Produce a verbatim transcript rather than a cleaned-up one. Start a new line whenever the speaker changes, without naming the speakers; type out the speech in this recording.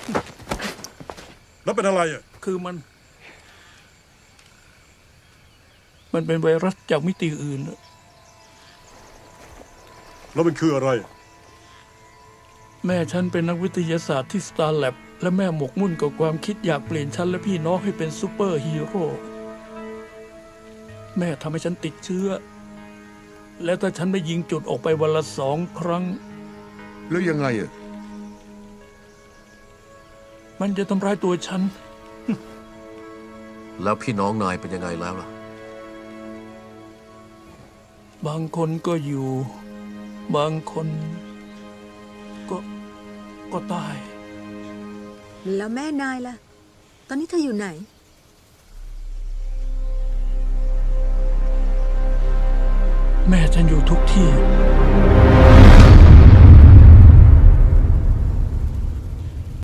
แล้วเป็นอะไรอ่ะ
คือมัน มันเป็นไวรัสจากมิติอื่น
แล้วมันคืออะไร
แม่ฉันเป็นนักวิทยาศาสตร์ที่ Star Lab และแม่หมกมุ่นกับความคิดอยากเปลี่ยนฉันและพี่น้องให้เป็นซูเปอร์ฮีโร่แม่ทำให้ฉันติดเชื้อ และถ้าฉันไม่ยิงจุดออกไปวันละสองครั้ง
แล้วยังไงอ่ะ
มันจะทำร้ายตัวฉัน
แล้วพี่น้องนายเป็นยังไงแล้วล่ะ
บางคนก็อยู่ บางคนก็ก็ตาย
แล้วแม่นายล่ะ ตอนนี้เธออยู่ไหน
แม่ฉันอยู่ทุกที่